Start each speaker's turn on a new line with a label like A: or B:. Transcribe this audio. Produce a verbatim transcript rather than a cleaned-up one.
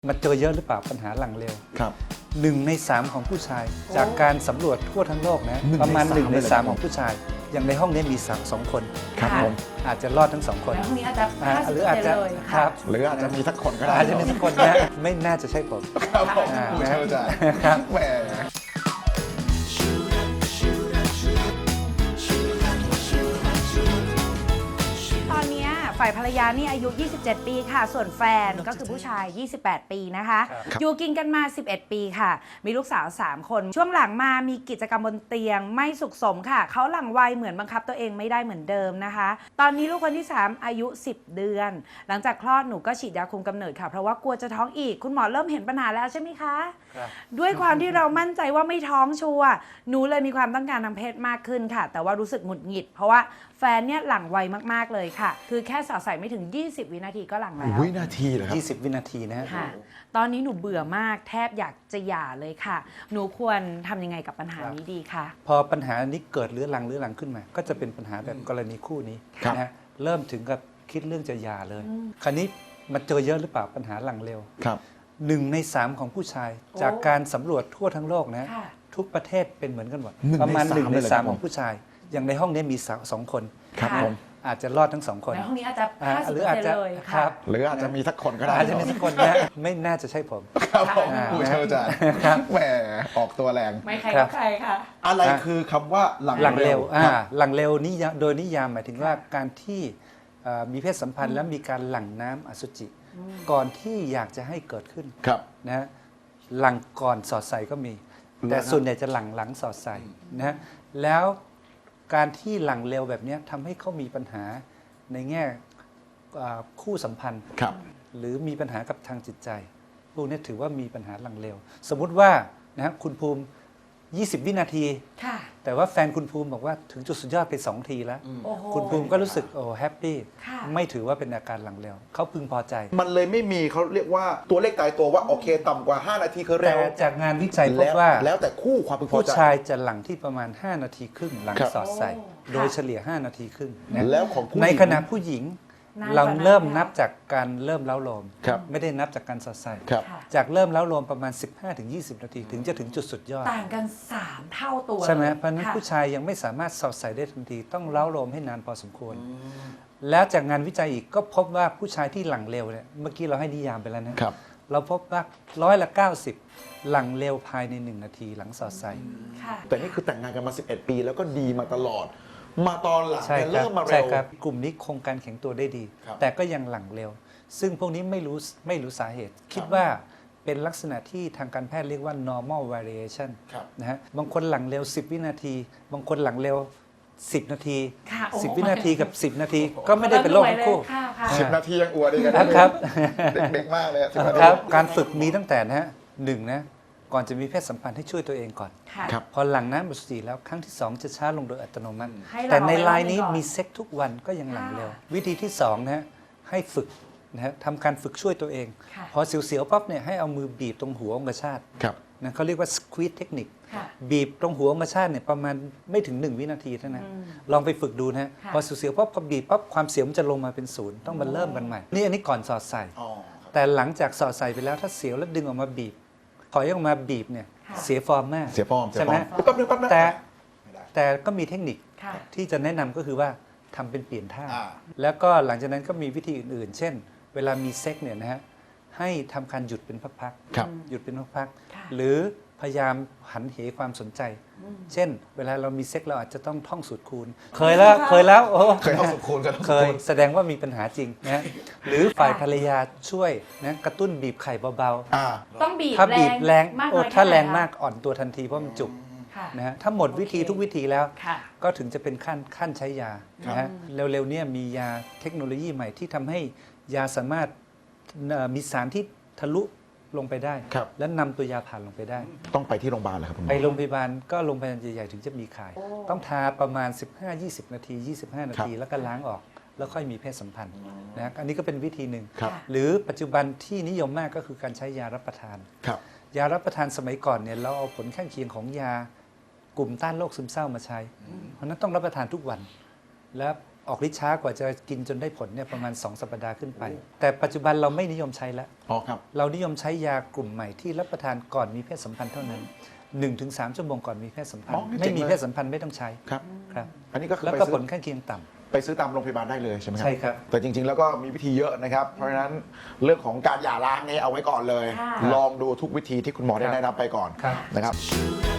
A: มันเจอเยอะหรือเปล่าปัญหาหลังเร็ว
B: ครับ
A: หนึ่งในสามของผู้ชายจากการสำรวจทั่วทั้งโลกนะประมาณหนึ่งในสามของผู้ชายอย่างในห้องนี้มีสามสองคน
B: ครับผม
A: อาจจะรอดทั้งสองคน
C: แล้วพรุ่งนี้อาจจะ
A: หรืออาจจะ
C: ครับ
B: หรืออาจจะมีสักคนก็ได้
A: อาจจะมีสักคนนะไม่น่าจะใช่ผม
B: ครับผมผู้ชายจ้ะ
A: ครับ
B: แหม
C: ตอนนี้ฝ่ายภรรยานี่อายุยี่สิบเจ็ดปีค่ะส่วนแฟนก็คือผู้ชายยี่สิบแปดปีนะคะอยู่กินกันมาสิบเอ็ดปีค่ะมีลูกสาวสามคนช่วงหลังมามีกิจกรรมบนเตียงไม่สุขสมค่ะเขาหลังวัยเหมือนบังคับตัวเองไม่ได้เหมือนเดิมนะคะตอนนี้ลูกคนที่สามอายุสิบเดือนหลังจากคลอดหนูก็ฉีดยาคุมกำเนิดค่ะเพราะว่ากลัวจะท้องอีกคุณหมอเริ่มเห็นปัญหาแล้วใช่ไหมคะด้วยความที่เรามั่นใจว่าไม่ท้องชัวร์หนูเลยมีความต้องการทางเพศมากขึ้นค่ะแต่ว่ารู้สึกหงุดหงิดเพราะว่าแฟนเนี่ยหลังไวมากๆเลยค่ะคือแค่สอดใส่ไม่ถึงยี่สิบวินาทีก็หลังแล้ว
B: วินาทีเหรอครับ
A: ยี่สิบวินาทีนะ
C: ค่ะตอนนี้หนูเบื่อมากแทบอยากจะหย่าเลยค่ะหนูควรทำยังไงกับปัญหานี้ดีคะ
A: พอปัญหานี้เกิดเรื้อรังเรื้อรังขึ้นมาก็จะเป็นปัญหาแบบกรณีคู่นี้นะฮะเริ่มถึงกับคิดเรื่องจะหย่าเลยคราวนี้มันเจอเยอะหรือเปล่าปัญหาหลังเร็ว
B: ครับ
A: หนึ่งในสามของผู้ชายจากการสำรวจทั่วทั้งโลกนะทุกประเทศเป็นเหมือนกันหมดประมาณหนึ่งในสามของผู้ชายอย่างในห้องนี้มีสองคน
B: ครับผม
A: อาจจะรอดทั้งสองคน
C: ในห้องนี้อาจจะ
A: หรืออาจจะ
C: ครับ
B: หรืออาจจะมีสักคนก็ได้
A: อาจจะมีสักคนนะไม่น่าจะใช่ผม
B: ครับผมผู้ชายจ้ะแหมออกตัวแรง
C: ไม่ใครก็ใครค่ะ
B: อะไรคือคำว่าหลัง
A: หลังเร็วอ่าหลังเร็วนี่โดยนิยามหมายถึงว่าการที่มีเพศสัมพันธ์แล้วมีการหลั่งน้ำอสุจิก่อนที่อยากจะให้เกิดขึ้นนะหลังก่อนสอดใส่ก็มีแต่ส่วนใหญ่จะหลังหลังสอดใส่นะแล้วการที่หลังเร็วแบบนี้ทำให้เขามีปัญหาในแง่คู่สัมพันธ์หรือมีปัญหากับทางจิตใจพวกนี้ถือว่ามีปัญหาหลังเร็วสมมุติว่านะคุณภูมิยี่สิบวินาทีแต่ว่าแฟนคุณภูมิบอกว่าถึงจุดสุดยอดไปสองทีแล้วคุณภูมิก็รู้สึกโอ้แฮปปี้ไม่ถือว่าเป็นอาการหลังเร็วเขาพึงพอใจ
B: มันเลยไม่มีเขาเรียกว่าตัวเลขตายตัวว่าโอเคต่ำกว่าห้านาทีคือเร็ว
A: แต่จากงานวิจัยพบว่า
B: แล้วแต่คู่ความพึงพอใจ
A: ผู้ชายจะหลังที่ประมาณห้านาทีครึ่งหลังสอดใส่โดยเฉลี่ยห้านาทีครึ่ง
B: แล้วของผู้หญิง
A: ในขณะผู้หญิงเราเริ่มนับจากการเริ่มเล้าโลมไม่ได้นับจากการสอดใส่จากเริ่มเล้าโลมประมาณ สิบห้าถึงยี่สิบ นาทีถึงจะถึงจุดสุดยอด
C: ต่างกันสามเท่าตัว
A: ใช่ไหมเพราะนั้นผู้ชายยังไม่สามารถสอดใส่ได้ทันทีต้องเล้าโลมให้นานพอสมควรแล้วจากงานวิจัยอีกก็พบว่าผู้ชายที่หลังเร็วเนี่ยเมื่อกี้เราให้นิยามไปแล้วนะเราพบว่าร้อยละเก้าสิบหลังเร็วภายในหนึ่งนาทีหลังสอดใส่
B: แต่นี่คือแต่งงานกันมาสิบเอ็ดปีแล้วก็ดีมาตลอดมาตอนหลังเริ่มมาเร็ว
A: ใช่ครับกลุ่มนี้คงการแข็งตัวได้ดีแต่ก็ยังหลังเร็วซึ่งพวกนี้ไม่รู้ไม่รู้สาเหตุคิดว่าเป็นลักษณะที่ทางการแพทย์เรียกว่า normal variation นะฮะบางคนหลังเร็วสิบวินาทีบางคนหลังเร็วสิบนาทีสิบวินาทีกับสิบนาทีก็ไม่ได้เป็นโรคทั้งคู่
B: สิบนาทียังอวดดีกัน
A: นะครับ
B: เด็กๆมากเลย
A: ครับการฝึกมีตั้งแต่นะฮะหนึ่งนะก่อนจะมีเพศสัมพันธ์ให้ช่วยตัวเองก่อนพอหลังน้ำอสุจิแล้วครั้งที่สองจะช้าลงโดยอัตโนมัติแต่ในรายนี้มีเซ็กทุกวันก็ยังหลังเร็ววิธีที่สองนะฮะให้ฝึกนะฮะทำการฝึกช่วยตัวเองพอเสียวๆปั๊บเนี่ยให้เอามือบีบตรงหัวองคชาตนะเขาเรียกว่า squeeze เทคนิคบีบตรงหัวองคชาตเนี่ยประมาณไม่ถึงหนึ่งวินาทีเท่านั้นลองไปฝึกดูนะพอเสียวๆปั๊บพอบีบปั๊บความเสียวมันจะลงมาเป็นศูนย์ต้องมาเริ่มกันใหม่นี่อันนี้ก่อนสอดใส่แต่หลังจากสอดใส่ไปแล้วถ้าเสียวแล้วดึงออกมาบีบถอยออกมาบีบเนี่ยเสียฟอร์มมาก
B: เสียฟอร์ม
A: ใช่ไหมแต่แต่ก็มีเทคนิคที่จะแนะนำก็คือว่าทำเป็นเปลี่ยนท่าแล้วก็หลังจากนั้นก็มีวิธีอื่นๆเช่นเวลามีเซ็กเนี่ยนะฮะให้ทำการหยุดเป็นพักๆหยุดเป็นพักๆหรือพยายามหันเหความสนใจเช่นเวลาเรามีเซ็กเราอาจจะต้องท่องสูตรคูณเคยแล้วเคยแล้วโอ้
B: เคยท่องสูตรคูณกัน
A: เคยแสดงว่ามีปัญหาจริงนะหรือฝ่ายภรรยาช่วยนะกระตุ้นบีบไข่เบา
C: ๆต้องบีบ
A: ถ้าบีบแรงโอ้ถ้าแรงมากอ่อนตัวทันทีเพราะมันจุกนะฮะถ้าหมดวิธีทุกวิธีแล้วก็ถึงจะเป็นขั้นขั้นใช้ยานะฮะเร็วๆเนี่ยมียาเทคโนโลยีใหม่ที่ทำให้ยาสามารถมีสารที่ทะลุลงไปได้และนำตัวยาผ่านลงไปได้
B: ต้องไปที่โรงพยาบาลเหรอครับ
A: ไปโรงพยาบาลก็โรงพยาบาลใหญ่ๆถึงจะมีขายต้องทาประมาณ สิบห้าถึงยี่สิบ นาทียี่สิบห้านาทีแล้วก็ล้างออกแล้วค่อยมีเพศสัมพันธ์นะอันนี้ก็เป็นวิธีหนึ่งหรือปัจจุบันที่นิยมมากก็คือการใช้ยารับประทานยารับประทานสมัยก่อนเนี่ยเราเอาผลข้างเคียงของยากลุ่มต้านโรคซึมเศร้ามาใช้เพราะนั้นต้องรับประทานทุกวันและออกฤทธิ์ช้ากว่าจะกินจนได้ผลเนี่ยประมาณสองสัปดาห์ขึ้นไป แต่ปัจจุบันเราไม่นิยมใช้แล้ว
B: อ๋อครับ
A: เรานิยมใช้ยากลุ่มใหม่ที่รับประทานก่อนมีเพศสัมพันธ์เท่านั้น หนึ่งถึงสาม ชั่วโมงก่อนมีเพศสัมพัน
B: อ๋อ
A: ธ์
B: นี่
A: ไม่
B: เจ๋ง
A: มี
B: เลย
A: เพศสัมพันธ์ไม่ต้องใช้
B: ครับ
A: ครับ
B: อันนี้ก็คือ
A: แล้ว
B: ไป
A: ก็
B: ซื้
A: ผ
B: อ
A: ลข้างเคียงต่ำ
B: ไปซื้อตามโรงพยาบาลได้เลยใช่ไหมครับ
A: ใช่ครับ
B: แต่จริงๆแล้วก็มีวิธีเยอะนะครับ เพราะฉะนั้นเรื่องของการหย่าร้างนี่เอาไว้ก่อนเลย
C: ค่ะ
B: ลองดูทุกวิธีที่คุณหมอได้
A: ครับ
B: แนะนำไปก่อน
A: ครับ
B: นะครับ
D: Sugar